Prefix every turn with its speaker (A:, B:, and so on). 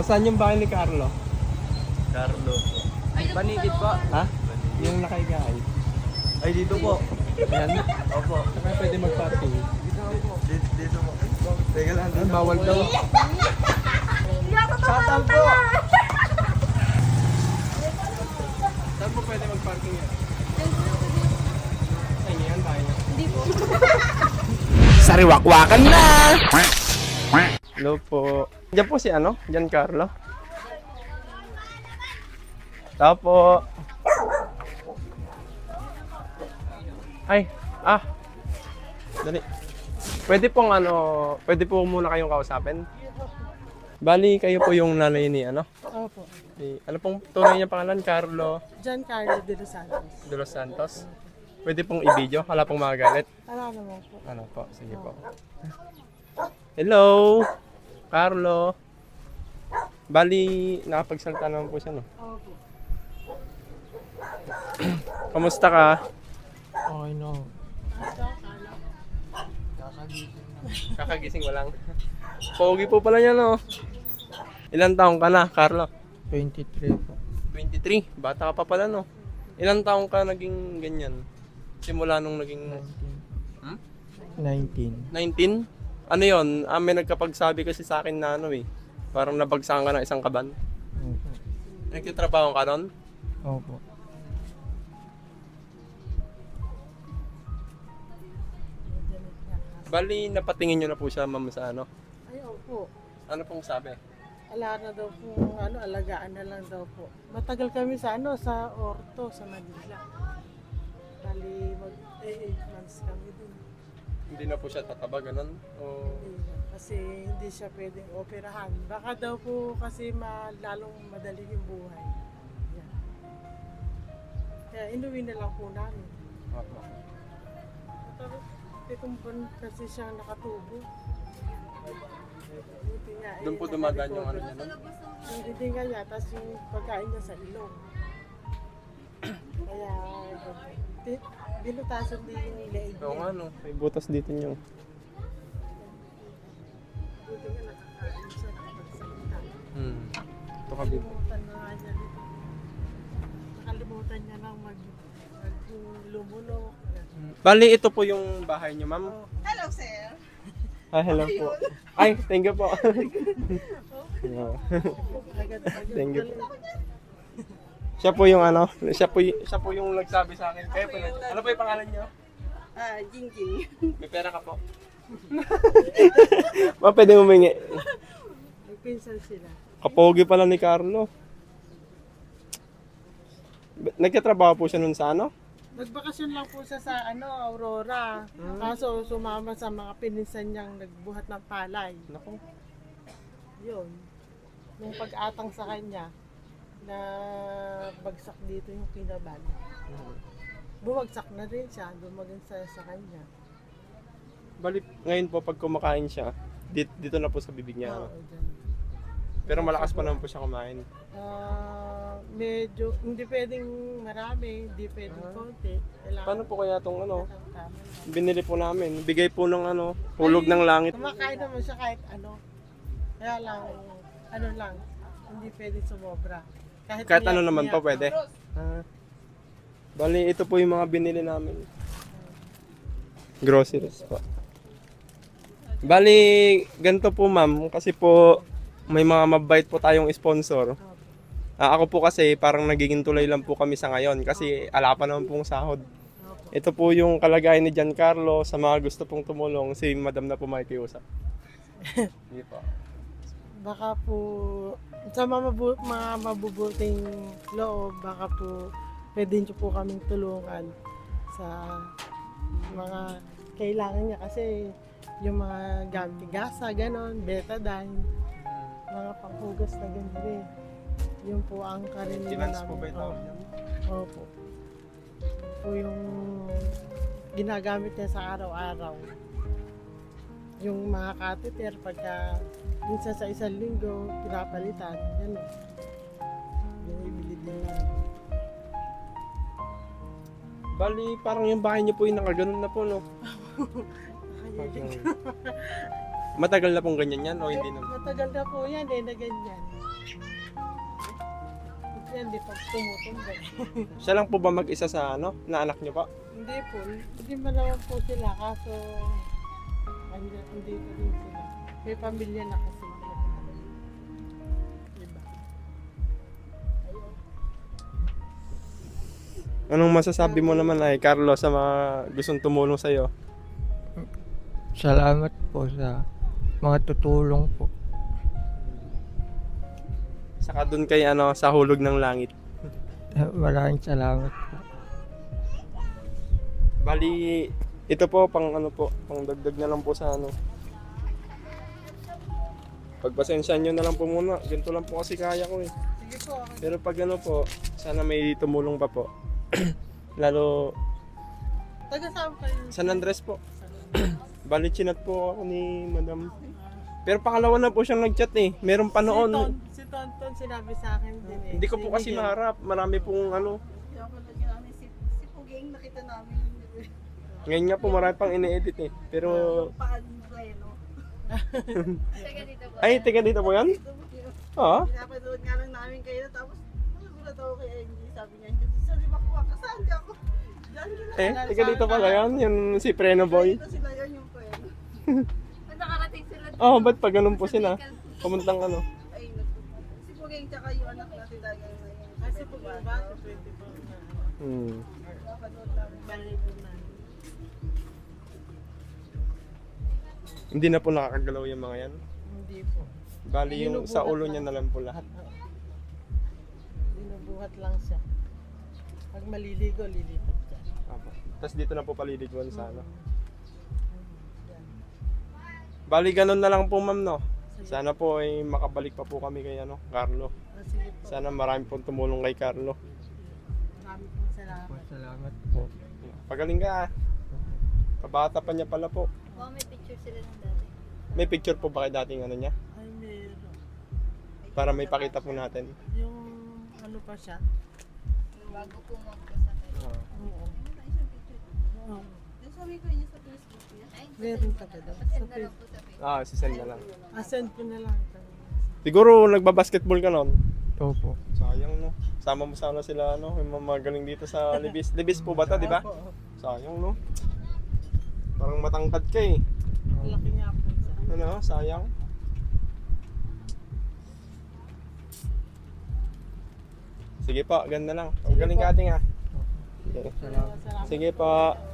A: Saan yung bahay ni Carlo?
B: Carlo po. Panigid po.
A: Ha? Yung nakahigaan.
B: Ay, dito po.
A: Ayan.
B: Opo.
A: Saka pwede mag-parking.
B: Dito po. Teka lang.
A: Ah, bawal daw.
B: Satan po.
A: Saan po pwede mag-parking yan? Sa inyo yan, bahay niyo?
C: Hindi po.
A: Sariwakwakan na! Hello po. Diyan po si ano? Giancarlo. Tao po. Ay, dali. Pwede pong pwede po muna kayong kausapin. Bali, kayo po yung nanay ni ano?
D: Opo.
A: Ano pong tunay niya pangalan? Carlo
D: Giancarlo de los Santos.
A: de los Santos. Pwede pong i-video? Wala pong magagalit.
D: Ano naman po?
A: Ano po? Sige po. Hello, Carlo. Bali, nakapagsalita naman po siya, no?
D: Opo.
A: Kamusta ka?
D: Okay, no.
A: Kakagising mo lang. Pogi po pala niya, no? Ilan taong ka na, Carlo?
D: 23 po.
A: 23. Bata ka pa pala, no? Ilan taong ka naging ganyan? Simula nung naging
D: 19.
A: 19? Ano yon? May nagkapagsabi kasi sa akin na ano eh. Parang nabagsakan ka ng isang kaban.
D: Opo.
A: Nagtitrabaho ka nun?
D: Opo.
A: Bali, napatingin nyo na po siya, ma'am, sa ano?
D: Ay, opo.
A: Ano pong sabi?
D: Ala na daw po, alagaan na lang daw po. Matagal kami sa sa Orto, sa Manila. Bali, 8 months kami dun.
A: Hindi na po siya tataba, ganun? O...
D: Hindi na, kasi hindi siya pwedeng operahan. Baka daw po kasi lalong madali yung buhay. Yan. Kaya inuwi na lang po namin.
A: Opo.
D: Pitong buwan kasi siya nakatubo. Buti nga,
A: Doon po dumadaan yung ano niya, no?
D: yung hininga niya, tapos yung pagkain niya sa ilong. Kaya, binutasan din yung leeg
A: Oo
D: niya.
A: nga, no? May butas dito niyo.
D: Buti nga nakakain siya, nakapagsalita.
A: Ito ka, babe.
D: Nakalimutan na nga niya dito. Nakalimutan niya lang lumulok.
A: Bali, ito po yung bahay niyo, ma'am.
C: Hello, sir.
A: Ah, hello po. Ay, thank you po. Yeah. Thank you po. Siya po yung ano, siya po yung nagsabi sa akin. Kaya po, ano po yung pangalan niyo?
C: Jingjing.
A: May pera ka po. Ma, pwede humingi.
D: May pinsan sila.
A: Kapogi pala ni Carlo. Nagkatrabaho po siya nun sa ano?
D: Nagbakasyon lang po siya sa Aurora. Kaso sumama sa mga pinsan niyang nagbuhat ng palay.
A: Naku.
D: Yun. Nung pag-atang sa kanya, na bagsak dito yung kinaban. Bumagsak na rin siya, dumagan sa kanya.
A: Bali, ngayon po pag kumakain siya, dito na po sa bibig niya. Ano?
D: Oo, dyan.
A: Pero malakas pa naman po siya kumain.
D: Medyo, hindi pwedeng marami, hindi pwedeng konti. Kailangan
A: Paano po kaya itong ano,
D: tama lang.
A: binili po namin? Bigay po ng ano, hulog ng langit.
D: Kumakain naman siya kahit ano. Kaya lang, ano lang, hindi pwedeng sumobra.
A: Kahit ano naman pa
D: umiyak,
A: pwede. Bali, ito po yung mga binili namin. Groceries po. Bali, ganito po ma'am, kasi po may mga mabait po tayong sponsor. Ako po kasi parang nagiging tulay lang po kami sa ngayon kasi ala pa naman pong sahod. Ito po yung kalagayan ni Giancarlo. Sa mga gusto pong tumulong, si madam na po makikiusap. Hindi po.
D: Baka po, sa mga mabubuting loob, baka po pwede nyo po kaming tulungan sa mga kailangan niya kasi yung mga gamit gasa, ganon, betadine, mga panghugas na ganyan. Yun po ang karaniwan
A: Finance po ba ito?
D: Opo. Po yung ginagamit niya sa araw-araw. Yung mga catheter, pagka minsan sa isang linggo, pinapalitan, yan. Yung ibili din lang.
A: Bali, parang yung bahay niyo po yung nakaganon na po, no?
D: Nakayagin.
A: Matagal na pong ganyan yan o hindi naman?
D: Matagal na po yan na ganyan. Kasi hindi pa tumutumbay.
A: Siya lang po ba mag-isa sa ano, na anak niyo po?
D: Hindi po, hindi malawan po sila kaso hindi pa rin sila. May pamilya na kasi. Diba?
A: Anong masasabi mo naman ay Carlo sa mga gustong tumulong sa iyo?
E: Salamat po sa mga tutulong po.
A: Saka doon kay ano sa hulog ng langit.
E: Maraming salamat po.
A: Bali ito po pang ano po, pang dagdag na lang po sa ano. Pagpasensyahan nyo na lang po muna. Ganito lang po kasi kaya ko eh.
D: Sige po, okay.
A: Pero pag ano po, sana may tumulong pa po. Lalo
D: Taga saan kayo?
A: San Andres po. Bali chinat po ako ni Madam. Pero pangalawa na po siyang nagchat eh. Meron pa noon.
D: Si Tonton sinabi sa akin din eh.
A: Hindi ko po
D: Si
A: kasi
D: Miguel.
A: maharap. Marami pong ano.
C: Kaya ako lagi namin si Puging nakita namin.
A: Ngayon nga po marami pang ini-edit eh. Pero
C: Paan pleno.
A: ay, teka dito po yan?
C: Dito mo yun.
A: Oo.
C: Pinapanood nga lang namin kayo tapos nagulat ako kay Angie. Sabi niya, sa Limakwa, kasaan ka ako? Diyan ka na.
A: Eh, teka dito pala yan. Yung si Preno Boy.
C: Dito sila yun yung pleno.
F: Nakarating sila dito.
A: Oh, ba't pag ganun po sila? Pumuntang ano.
C: Ay, si Puging tsaka yung anak natin dahil ngayon na yun.
D: Kasi po ba, 24 na ano,
A: Hmm.
C: Napanood namin.
D: balik po na.
A: Hindi na po nakakagalaw yung mga yan.
D: Hindi po.
A: Bali yung sa ulo niya na lang po lahat.
D: Binubuhat lang siya. Pag maliligo, lilipat siya.
A: Apo. Tapos dito na po paliliguan sa ano.
D: Yan.
A: Bali ganun na lang po ma'am no. Sana po ay makabalik pa po kami kay ano, Carlo.
D: Sige po.
A: Sana marami pong tumulong kay Carlo.
D: Marami pong salamat.
E: Salamat po.
A: Pagaling ka ah. Kabata pa niya pala po.
F: Wow, may picture sila ng dati.
A: May picture po ba kay dating ano niya?
D: Ay, meron.
A: Para may pakita po natin.
D: Yung ano pa siya?
F: Bago po magkasakay.
A: Ah.
D: Oo. Oo.
C: Yung sabi ko niya sa Facebook niya.
F: Ay,
D: Meron ka ba daw?
F: pasend na lang po sa Facebook.
A: Ah, sisend na lang.
D: Send ko na lang.
A: Siguro nagba-basketball ka noon.
E: Opo.
A: Sayang no. Sama mo sana sila ano, yung mga magaling dito sa Libis. Libis po ba 'to, di ba?
D: Opo.
A: Sayang no. Parang matangkad ka eh.
D: Laki nga po siya.
A: Ano, sayang. Sige po, ganda lang. Ang galing ka ating ah. Okay.
E: Salamat.
D: Salamat.
A: Sige po.